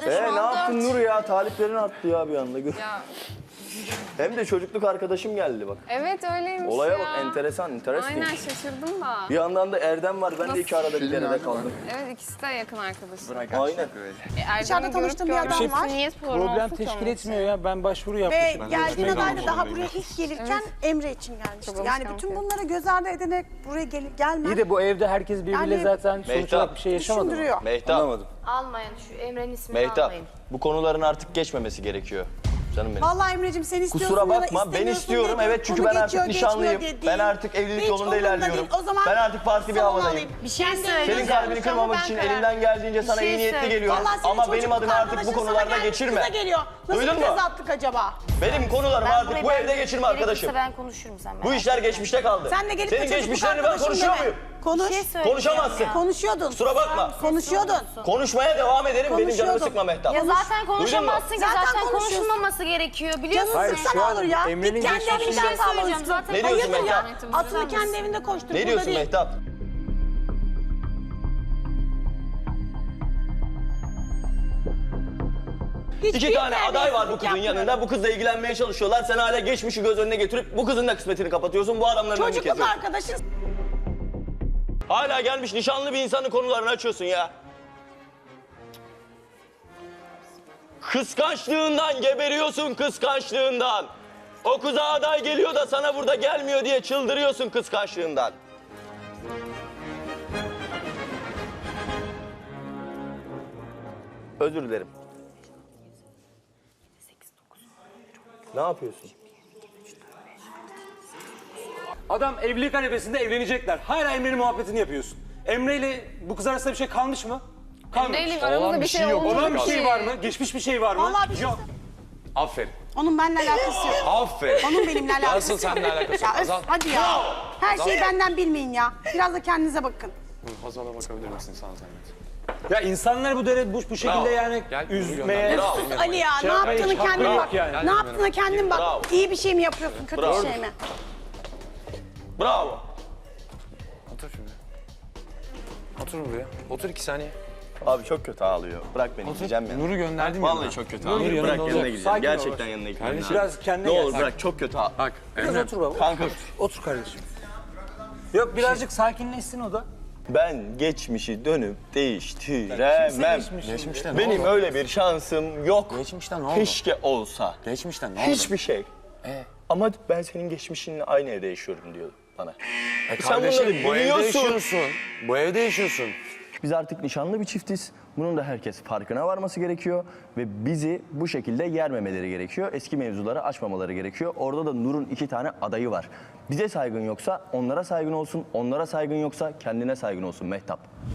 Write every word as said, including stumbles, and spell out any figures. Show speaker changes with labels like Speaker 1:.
Speaker 1: şu
Speaker 2: Ee,
Speaker 1: an
Speaker 2: ne yaptın
Speaker 1: dört.
Speaker 2: Nur ya? Taliplerin arttı ya bir anda. Gör.
Speaker 1: Ya,
Speaker 2: Hem de çocukluk arkadaşım geldi bak.
Speaker 1: evet öyleymiş
Speaker 2: Olaya
Speaker 1: ya.
Speaker 2: bak, enteresan, interesting.
Speaker 1: Aynen şaşırdım da.
Speaker 2: Bir yandan da Erdem var. Ben de iki arada bir derede kaldım.
Speaker 1: Evet ikisi de yakın arkadaşım.
Speaker 2: Aynen.
Speaker 1: E, Erdem'i
Speaker 3: Dışarıda
Speaker 1: görüp
Speaker 3: tanıştığım bir
Speaker 1: görmesi
Speaker 3: adam var.
Speaker 1: niye sorun
Speaker 4: Problem
Speaker 1: olsun ki
Speaker 4: teşkil
Speaker 1: onun
Speaker 4: etmiyor
Speaker 1: için?
Speaker 4: ya. Ben başvuru
Speaker 3: Ve
Speaker 4: yapmışım.
Speaker 3: geldiğin aday da daha buraya ilk gelirken Emre için gelmişti.
Speaker 1: Çok
Speaker 3: Yani
Speaker 1: alışkanlık
Speaker 3: bütün
Speaker 1: ya.
Speaker 3: bunları göz ardı ederek buraya gel gelmen
Speaker 4: İyi de bu evde herkes birbiriyle
Speaker 3: Yani-
Speaker 4: zaten sonuç
Speaker 2: Mehtap,
Speaker 4: olarak bir şey yaşamadı mı?
Speaker 3: düşündürüyor.
Speaker 2: Mehtap. Anlamadım.
Speaker 5: Almayın şu Emre'nin ismini
Speaker 2: Mehtap.
Speaker 5: almayın.
Speaker 2: Bu konuların artık geçmemesi gerekiyor. Canım benim.
Speaker 3: Vallahi Emre'cim sen istiyorsun
Speaker 2: Kusura
Speaker 3: ya da
Speaker 2: bakma, ben
Speaker 3: istemiyorsun
Speaker 2: istiyorum.
Speaker 3: diye
Speaker 2: Evet, çünkü
Speaker 3: konu
Speaker 2: ben artık
Speaker 3: geçiyor,
Speaker 2: nişanlıyım.
Speaker 3: geçmiyor diye
Speaker 2: Ben
Speaker 3: değil.
Speaker 2: artık evlilik
Speaker 3: Hiç
Speaker 2: yolunda
Speaker 3: umurumda
Speaker 2: ilerliyorum.
Speaker 3: değil. O zaman
Speaker 2: Ben artık farklı bir
Speaker 3: salon
Speaker 2: havadayım.
Speaker 3: alayım.
Speaker 5: Bir şey
Speaker 3: Ben de
Speaker 5: söyleyeceğim.
Speaker 2: Senin kalbini
Speaker 5: Şu an
Speaker 2: kırmamak
Speaker 5: ben
Speaker 2: için
Speaker 5: karar-
Speaker 2: elinden geldiğince sana
Speaker 5: şey
Speaker 2: iyi niyetli
Speaker 5: söyle.
Speaker 2: geliyorum.
Speaker 3: Vallahi senin
Speaker 2: Ama benim
Speaker 3: çocukluk
Speaker 2: adına artık bu
Speaker 3: arkadaşın sana
Speaker 2: konularda
Speaker 3: gelmiş,
Speaker 2: geçirme.
Speaker 3: Kıza geliyor. Nasıl
Speaker 2: Duydun
Speaker 3: bir
Speaker 2: mu?
Speaker 3: kız attık acaba?
Speaker 2: Benim konularım
Speaker 5: Ben
Speaker 2: artık
Speaker 5: burayı
Speaker 2: bu
Speaker 5: ben-
Speaker 2: evde geçirme arkadaşım.
Speaker 5: Gerekirse ben konuşurum sen.
Speaker 2: Bu işler geçmişte kaldı.
Speaker 3: Sen de gelip de
Speaker 2: Senin
Speaker 3: çocukluk
Speaker 2: geçmişlerini ben
Speaker 3: arkadaşım
Speaker 2: konuşuyor
Speaker 3: deme.
Speaker 2: muyum?
Speaker 3: Konuş.
Speaker 5: Bir şey söyleyeceğim
Speaker 2: Konuşamazsın.
Speaker 5: ya.
Speaker 3: Konuşuyordun.
Speaker 2: Kusura bakma.
Speaker 3: Konuşuyordun.
Speaker 2: Konuşmaya devam edelim. Benim canımı
Speaker 3: Konuşuyordun.
Speaker 2: sıkma Mehtap.
Speaker 5: Ya zaten konuşamazsın ki
Speaker 3: Zaten
Speaker 5: zaten,
Speaker 3: konuşuyorsun.
Speaker 5: konuşulmaması gerekiyor biliyorsun.
Speaker 3: Canın
Speaker 4: Hayır,
Speaker 3: sıksa
Speaker 4: şu
Speaker 3: ne
Speaker 4: an
Speaker 3: olur ya?
Speaker 4: Emre'nin
Speaker 3: Git kendi
Speaker 4: geçmişi-
Speaker 5: Bir
Speaker 3: evinden
Speaker 5: şey
Speaker 3: kal
Speaker 5: söyleyeceğim
Speaker 3: olsun.
Speaker 5: zaten.
Speaker 2: Ne diyorsun
Speaker 3: Hayırdır ya?
Speaker 2: Mehtap?
Speaker 3: Atını kendi evinde koştur.
Speaker 2: Ne
Speaker 3: burada
Speaker 2: diyorsun
Speaker 3: değil.
Speaker 2: Mehtap?
Speaker 3: Hiç
Speaker 2: İki tane
Speaker 3: bir
Speaker 2: aday var bu kızın
Speaker 3: terbiyesizlik
Speaker 2: yanında. Bu kızla ilgilenmeye çalışıyorlar. Sen hala geçmişi göz önüne getirip bu kızın da kısmetini kapatıyorsun. Bu adamların önünü
Speaker 3: Çocukluk
Speaker 2: kesiyorsun.
Speaker 3: arkadaşın.
Speaker 2: Hala gelmiş nişanlı bir insanın konularını açıyorsun ya. Kıskançlığından geberiyorsun, kıskançlığından. O kıza aday geliyor da sana burada gelmiyor diye çıldırıyorsun kıskançlığından. Özür dilerim. Ne yapıyorsun?
Speaker 4: Adam evlilik arifesinde evlenecekler. Hala Emre'nin muhabbetini yapıyorsun. Emre ile bu kız arasında bir şey kalmış mı? Kalmamış.
Speaker 1: Emre'yle aramızda bir şey olmadı
Speaker 4: Olan bir
Speaker 1: ki.
Speaker 4: şey var mı? Geçmiş bir şey var mı?
Speaker 3: Vallahi bir şey
Speaker 4: Yok.
Speaker 6: Aferin.
Speaker 3: Onun benimle alakası yok.
Speaker 6: Aferin.
Speaker 3: Onun benimle alakası
Speaker 6: Nasıl
Speaker 3: yok.
Speaker 6: seninle alakası
Speaker 3: Ya
Speaker 6: yok?
Speaker 3: öf,
Speaker 6: Hazal.
Speaker 3: hadi ya. Her şeyi benden bilmeyin ya. Biraz da kendinize bakın.
Speaker 6: Hazal'a bakabilir misin sana zahmet?
Speaker 4: Ya insanlar bu dere bu, bu şekilde
Speaker 2: Bravo.
Speaker 4: yani
Speaker 6: Gel,
Speaker 4: üzmeye...
Speaker 6: yürü
Speaker 2: Bravo.
Speaker 3: Sus Ali ya.
Speaker 4: Şey
Speaker 3: ne
Speaker 4: yapmaya
Speaker 3: yaptığını
Speaker 4: hiç hakkı
Speaker 3: kendin
Speaker 4: yok
Speaker 3: bak.
Speaker 4: yani.
Speaker 3: Ne yaptığına kendin bak.
Speaker 2: Bravo.
Speaker 3: İyi bir şey mi yapıyorsun, kötü
Speaker 2: Bravo.
Speaker 3: bir şey mi?
Speaker 2: Bravo.
Speaker 6: Otur şimdi. Otur buraya. Otur iki saniye.
Speaker 2: Abi çok kötü ağlıyor. Bırak beni gideceğim ya.
Speaker 6: Nur'u gönderdim ya.
Speaker 2: Vallahi çok kötü
Speaker 4: Nur
Speaker 2: ağlıyor.
Speaker 4: yanında
Speaker 2: Bırak
Speaker 4: olacak.
Speaker 2: yanına gideceğim.
Speaker 4: Sakin ol.
Speaker 2: Gerçekten yanına gideceğim.
Speaker 4: Kardeşim
Speaker 2: abi.
Speaker 4: biraz kendine
Speaker 2: Ne
Speaker 4: gel.
Speaker 2: olur bırak çok kötü ağlıyor.
Speaker 6: Bak
Speaker 4: Biraz
Speaker 6: Emre.
Speaker 4: otur baba.
Speaker 2: Kanka
Speaker 4: Otur kardeşim. Yok birazcık sakinleşsin o da.
Speaker 2: ben geçmişi dönüp değiştiremem.
Speaker 6: Geçmişte ne
Speaker 2: Benim
Speaker 6: oldu?
Speaker 2: öyle bir şansım yok.
Speaker 6: Geçmişte ne oldu?
Speaker 2: Keşke olsa.
Speaker 6: Geçmişte ne oldu?
Speaker 2: Hiçbir şey.
Speaker 6: Ee?
Speaker 2: Ama ben senin geçmişinle aynı evde yaşıyorum diyor bana.
Speaker 6: E
Speaker 2: Sen
Speaker 6: kardeşim
Speaker 2: bunları
Speaker 6: bu evde
Speaker 2: biliyorsun.
Speaker 6: yaşıyorsun. Bu evde yaşıyorsun.
Speaker 2: Biz artık nişanlı bir çiftiz. Bunun da herkes farkına varması gerekiyor. Ve bizi bu şekilde yermemeleri gerekiyor. Eski mevzuları açmamaları gerekiyor. Orada da Nur'un iki tane adayı var. Bize saygın yoksa onlara saygın olsun. Onlara saygın yoksa kendine saygın olsun Mehtap.